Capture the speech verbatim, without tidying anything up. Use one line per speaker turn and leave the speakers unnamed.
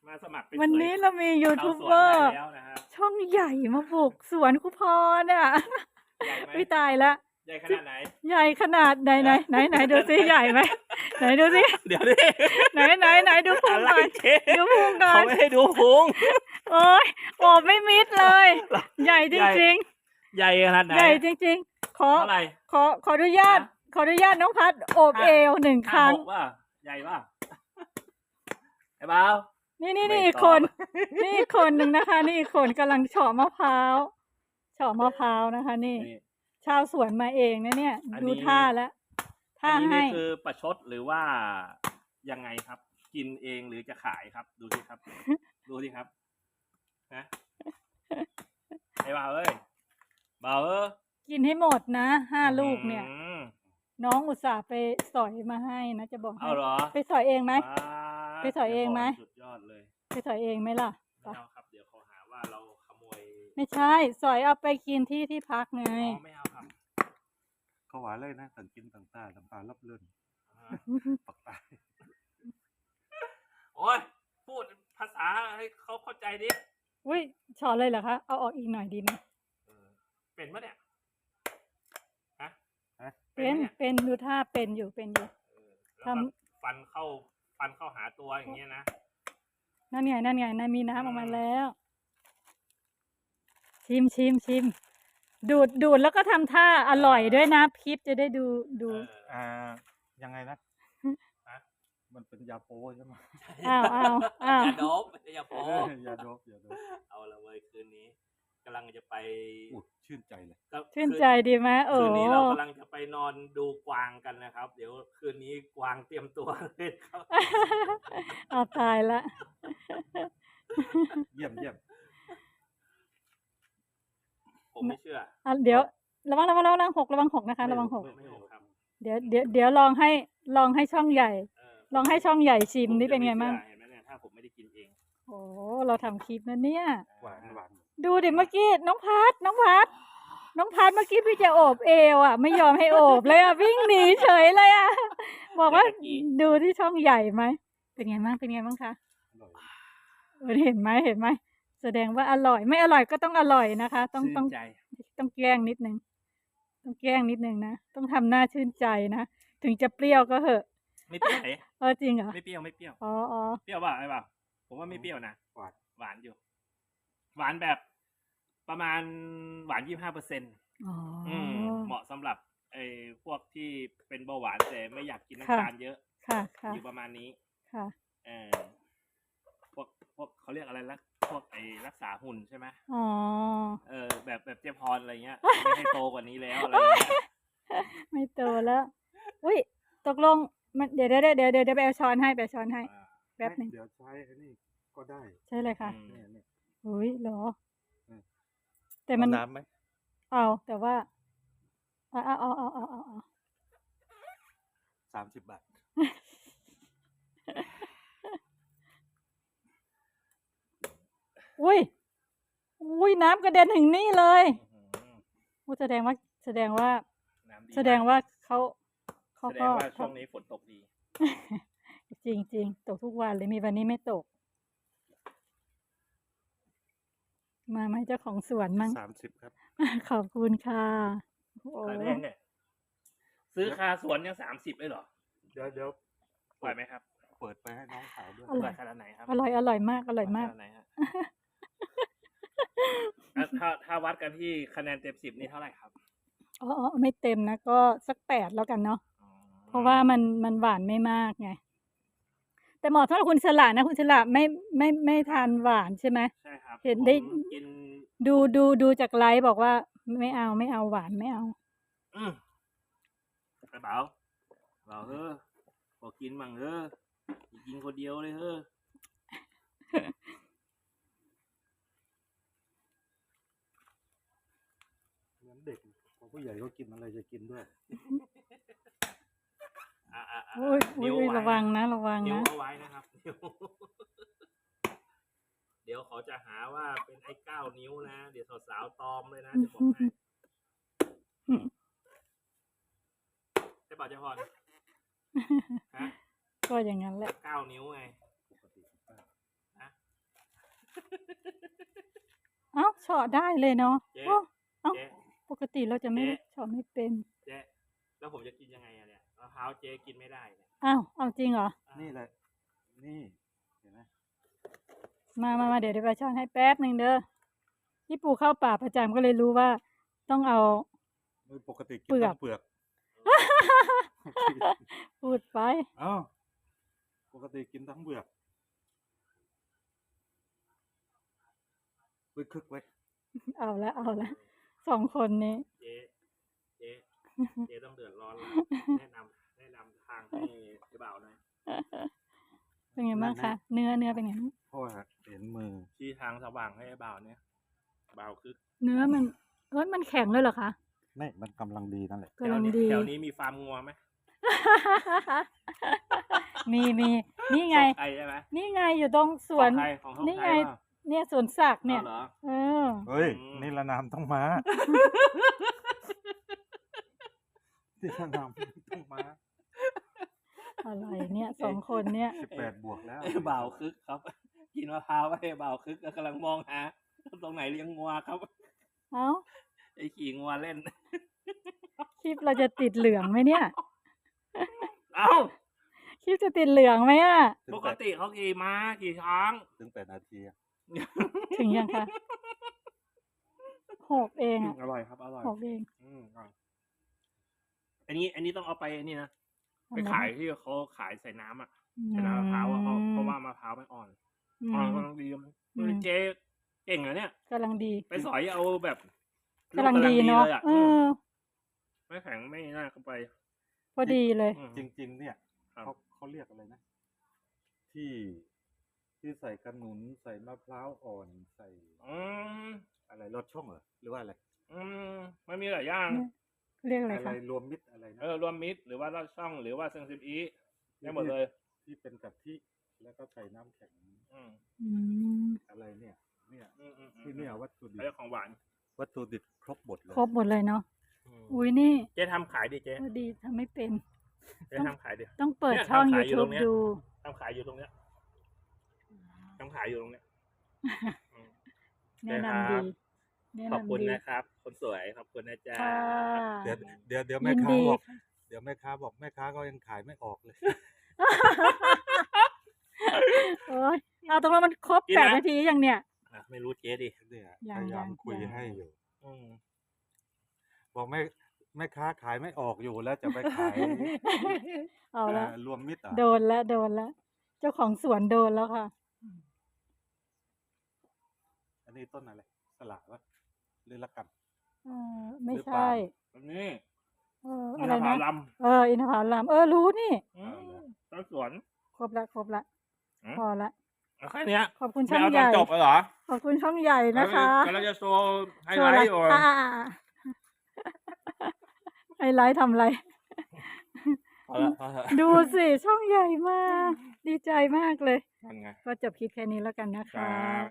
มาสมัครเป็น
วันนี้เรามียูทูบเบอร์ช่องใหญ่มาบุกสวนคุพรเนี่ยไม่ตายละ
ใหญ่ขนาดไหน
ใหญ่ขนาดไหนไหนไหนไหนดูซิใหญ่ไหมไหนดูซิ
เดี๋ยวดิ
ไหนไหนไหนดูพุงหน่อยดูพุงหน่อย
เขาไม่ให้ดูพุง
โอ้ยโอบไม่มิดเลยใหญ่จริง
ๆใหญ่ขนาดไหน
ใหญ่จริงๆขอขอขออนุญาตขออนุญาตน้องพัดโอบเอวหนึ่งครั้ง
ว่าใหญ่ป่ะไอ้บ่าว
นี่นี่นี่อีกคนนี่อีกคนหนึ่งนะคะนี่อีกคนกำลังเฉาะมะพร้าวเฉาะมะพร้าวนะคะนี่ชาวสวนมาเองนะเนี่ยดูท่าแล้วท่าให้
นี่คือประชดหรือว่ายังไงครับกินเองหรือจะขายครับดูสิครับดูสิครับนะไอ้บ่าวเอ้ยบ่าวเอ้ย
กินให้หมดนะห้าลูกเนี่ยน้องอุตส่าห์ไปสอยมาให้นะจะบอก
เอาเหรอ
ไปสอยเองไหมไปสอยเองไหม
สุดยอดเลย
ไปสอยเองไหมล่ะ
ไม่เอาครับเดี๋ยวเขาหาว่าเราขโมย
ไม่ใช่สอยเอาไปกินที่ที่พักไง
ไม่เอาครับ
เขาหวานเลยนะต่างกินต่างตาต่างปลาลับเลื่อนปักตาย
โอ้ยพูดภาษาให้เขาเข้าใจดิ
อุ้ยช้อนเลยเหรอคะเอาออกอีกหน่อยดีไหม
เป็นปะเนี่ยฮะ
เป็นเป็นดูท่าเป็นอยู่เป็นอยู่
ทำฟันเข้าฟันเข้าหาตัวอย่างเงี้ยนะ
นั่นไงนั่นไงนั่นมีน้ำออกมาแล้วชิมชิมชิมดูดดูดแล้วก็ทำท่าอร่อยด้วยนะคลิปจะได้ดูดู
อ่ายังไงนะมันเป็นยาโปใช่ไหม
อ้าวอ้าวอ้าวยา
โดบยาโป
ยาโดบยาโดบ
เอาละเว้ยคืนนี้กำลังจะไป
ชื่นใจเลย
ชื่นใจดีไหมเออ
คืนนี้เรากำลังจะไปนอนดูกวางกันนะครับเดี๋ยวคืนนี้กวางเตรียมตัวเลยครับ
เอาตายละ
เยี่ยมเยี่ยม
ผมไม่เชื่อ
อ่ะเดี๋ยวระวังระวังระวังหกระวังหกนะคะระวังหกเดี๋ยวเดี๋ยวเดี๋ยวลองให้ลองให้ช่องใหญ่ลองให้ช่องใหญ่ชิมนี่เป็นไงบ้าง
เห็นไหมเนี่ยถ้าผมไม่ได้กินเอง
โอ้เราทำคลิปนะเนี่ย
หวานหวาน
ดูดิเมื่อกี้น้องพัดน้องพัดน้องพัดเมื่อกี้พี่จะโอบเอวอ่ะไม่ยอมให้โอบเลยอ่ะวิ่งหนีเฉยเลยอ่ะบอกว่าดูที่ช่องใหญ่ไหมเป็นไงบ้างเป็นไงบ้างคะเห็นไหมเห็นไหมแสดงว่าอร่อยไม่อร่อยก็ต้องอร่อยนะคะต้องต้องต้องแกล้งนิดนึงต้องแกล้งนิดนึงนะต้องทำหน้าชื่นใจนะถึงจะเปรี้ยวก็เหอะ
ไม่เปรี้ยว
เออจริงเหรอ
ไม่เปรี้ยวไม่เปรี้ยว
อ๋ออ๋อ
เปรี้ยวป่ะไอ้ป่ะผมว่าไม่เปรี้ยวนะ
หวาน
หวานอยู่หวานแบบประมาณหวานยี่สิบห้าเปอร์เซ็นต์เหมาะสำหรับไอ้พวกที่เป็นเบาหวานแต่ไม่อยากกินน้ำตาลเยอะ
ค่ะ
อยู่ประมาณนี้
ค่ะ
เออพวกพวกเขาเรียกอะไรละพวกไอ้รักษาหุ่นใช่ไหม
อ๋อ
เออแบบแบบเจ๊พรอะไรเงี้ยไม่ให้โตกว่านี้แล้วอะไรเงี้ย
ไม่โตแล้วอุ้ยตกลงมันเดี๋ยวเดี๋ยวเดี๋ยวเดี๋ยวเดี๋ยวไปเอาช้อนให้ไปช้อนให้แป๊บนึง
เดี๋ยวใช้อันนี้ก็ได้
ใช่เลยค่ะอุ้ยเหรอแต่
มั
น
น้ำไหม
เอาแต่ว่าเอาเอาเอาเอาเอาเอา
สามสิบบาท
อุ้ยอุ้ยน้ำกระเด็นถึงนี่เลยอู้แสดงว่าแสดงว่าแสดงว่าเขาเขา
ก็ช่วงนี้ฝนตกดี
จริงจริงตกทุกวันเลยมีวันนี้ไม่ตกมาไหมเจ้าของสวนมั้ง
สามสิบครับ
ขอบคุณค่ะ
โอ้แพงเนี่ยซื้อคาสวนยังสามสิบเลยเหรอ
เดี๋ยวเดี๋ยว
ไหวไหมครับ
เปิดไปให้น้องสาวด้วย
อร่อย
ขนาดไหนครับ
อร่อยอร่อยมากอร่อยมาก
ถ้าถ้าวัดกันที่คะแนนเต็มสิบนี่เท่าไหร่ครับ
อ๋อไม่เต็มนะก็สักแปดแล้วกันเนาะเพราะว่ามันมันหวานไม่มากไงแต่เหมาะสำหรับคุณฉลาดนะคุณฉลาดไม่ไม่ไม่ทานหวานใช่ไหม
ใช่ครับ
เห็นได้ดูดูดูจากไลฟ์บอกว่าไม่เอาไม่เอาหวานไม่เอา
อืมกระเป๋าเปล่าเฮ้อพอกินมั่งเฮ้อกินคนเดียวเลยเฮ้อ
เหมือนเด็กพอผู้ใหญ่ก็กินอะไรจะกินด้วย
โอ้ยโอ้ยระวังนะระวังนะ
นิ้วเอาไว้นะครับเดี๋ยวเขาจะหาว่าเป็นไอ้เก้านิ้วนะเดี๋ยวสาวๆตอมเลยนะจะบอกให้ใช่ป่ะเจ้าพรฮะ
ก็อย่างนั้นแหละ
เก้านิ้วไง
ปกติ
ฉาะได้เลยเนาะ
เจ๊
โอ้เอ้า
เจ๊
ปกติเราจะไม่
เจ๊
เฉาะไม่เป็น
เจ๊แล้วผมจะกินยังไงอะเนี่ยมะพร้าวเจ๊กินไม่ได้เนี่ย
อ้าวเอาจริงเหรอ
นี่แหละ นี่เห็นไหม
มามามาเดี๋ยวเดี๋ยวไปช้อนให้แป๊บหนึ่งเด้อพี่ปู่เข้าป่าประจำก็เลยรู้ว่า ต้องเอา
โดยปกติกิน
เปลือก
ทั้งเปลือก
พูดไป
เอ้าปกติกินทั้งเปลือกไว้คึกไว้
เอาละเอาละสองคนนี้
เจ๊เจ๊เจ๊ต้องเดือดร้อนแล้วแนะนำแนะนำทางให้เจ๊บ่าวหน่อย
เป็นไงบ้างคะเนื้อเนื้อเป็นไงบ้าง
เพราะว่าเห็นมือ
ชี้ทางสว่างให้บ่าวเนี่ยบ่าวคือ
เนื้อมันเอ้ยมันแข็งเลยเหรอคะ
ไม่มันกำลังดีนั่นแหละ
กำลังดี
แถวนี้มีฟาร์มงัวไหม
มีมีนี่ไง
ไก่ใช่ไหม
นี่ไงอยู่ตรงสวน
ของใครของเขา
นี่
ใคร
ไง
วะ
เนี่ยสวนสักดิ์เนี่ย
อาเหรอ
เออ
เฮ้ย
อืม
นี่ละนามต้องมานี่ละนามต้องมา
อะไรเนี่ยสองคนเนี่ย
สิบแปดบวกแล้ว
ไอ้บ่าวคึกครับ กินมะพร้าวไอ้บ่าวคึกกำลังมองหาตรงไหนเลี้ยงงัวครับ
เอ้า
ไอ้ขี่งัวเล่น
คลิปเราจะติดเหลืองไหมเนี่ย
เอ้า
คลิปจะติดเหลืองไหมอ่ะ
ถึง
ป
แป
ก
ด
ติเขาขี่ม้าขี่ช้าง
ถึงแปดนาทีอะ
ถึงยังคะหกเองอ่ะ
อร่อยครับอร่อย
หกเอง
อืมอร่อยอันนี้ อันนี้ต้องเอาไปอันนี้นะไป
ทำไม
ขายที่เขาขายใส่น้ำอ่ะ
อื
ใส่น้ำมะพร้าวอะเขาเพราะว่ามมะพร้าวมันอ่อน
อื
อ่อน
ม
กำลังดี
อืม
เจ๊เก่งเหรอเนี่ย
กำลังดี
ไปสอยเอาแบบ
กำลังดีเนาะ
ลยอะ
เออ
ไม่แข็งไม่น่าเข้าไป
พอดีเลย
อืม
จริง ๆ เนี่ย
ครับ
เขาเขาเรียกอะไรนะ ที่ที่ใส่ขนุนใส่มะพร้าวอ่อนใส่
อืม
อะไรรสช่องเหรอหรือว่าอะไร
อืมมันมีหลายอย่าง
เรียกอะไร
อะไร
คะ
รวมมิตรอะไรนะ
เออรวมมิตรหรือว่าลอดช่องหรือว่าเซงซิมอีได้หมดเลย
ที่เป็นกะทิแล้วก็ใส่น้ำแข็ง
อืม
อืม
อะไรเนี่ย เนี่ย
อืมอืมอืม
ที่เนี่ยวัตถุดิบ
เรื่องของหวาน
วัตถุดิบครบหมดเลย
ครบหมดเลยเนาะ
อืม
อุ้ยนี่
เจ๊ทำขายดิเจ๊
พอดีทำไม่เป็น
เจ๊ทำขายดิ
ต้องเปิด
เนี่ย
ช่อง
ทำขายอยู่ตร
YouTube
งเนี้ย
ดู
ทำขายอยู่ตรงเนี้ยทำขายอยู่ตรงเนี้ยอืม
แนะนำดี แนะ
ขอบ
นำ
คุณ
ดี
นะครับ คนสวยขอบคุณนะจ๊ะ
ค่ะ
เดี๋ยวเดี๋ยวเดี๋ยว
ยิ
แม่
น
ค้า
ดี
บอก
ค่ะ
เดี๋ยวแม่ค้าบอกแม่ค้าก็ยังขายไม่ออกเลย
โอ้ยเอาตรงนั้นมันครบ
กิน
แปด
นะ
นาทียังเนี่ย
อ่ะไม่รู้เจ๊ดิ
เนี่ย
ยั
พ
ง
ยายาม
ยัง
คุย
ยัง
ให้อยู่
อืม
บอกแม่แม่ค้าขายไม่ออกอยู่แล้วจะไปขาย
เอาละ
เอ่อรวมมิตรอ่ะ
โดนแล้วโดนแล้วเจ้าของสวนโดนแล้วค่ะ
อันนี้ต้นอะไรสละวะหรือละกัน
เออไม่
หรือ
ใช่
ปาล์
อันนี้
เออ
อิ
อะ
น
ไร
ทผ
นะ
ลัม
เอออินทผลัมเออรู้นี่
อืมต้นสวน
ครบละครบละ
อืม
พอละ
เอาแค่เนี้ย
ขอบคุณ
ไม่
ช่อง
เอาต
ให
อน
ญ่
จบเลยเหรอ
ขอบคุณช่องใหญ่นะคะ
กำลังจะโชว์ไฮ
โช
ไล
ว์อะไร
ท์อยู่
อ่าอ่าอ่าไฮไลท์ทำอะไร
พอละพอละ
ดูสิช่องใหญ่มาก ดีใจมากเลย
นั่นไง
ก็จบคลิปแค่นี้แล้วกันนะ
ครั
คะ
บ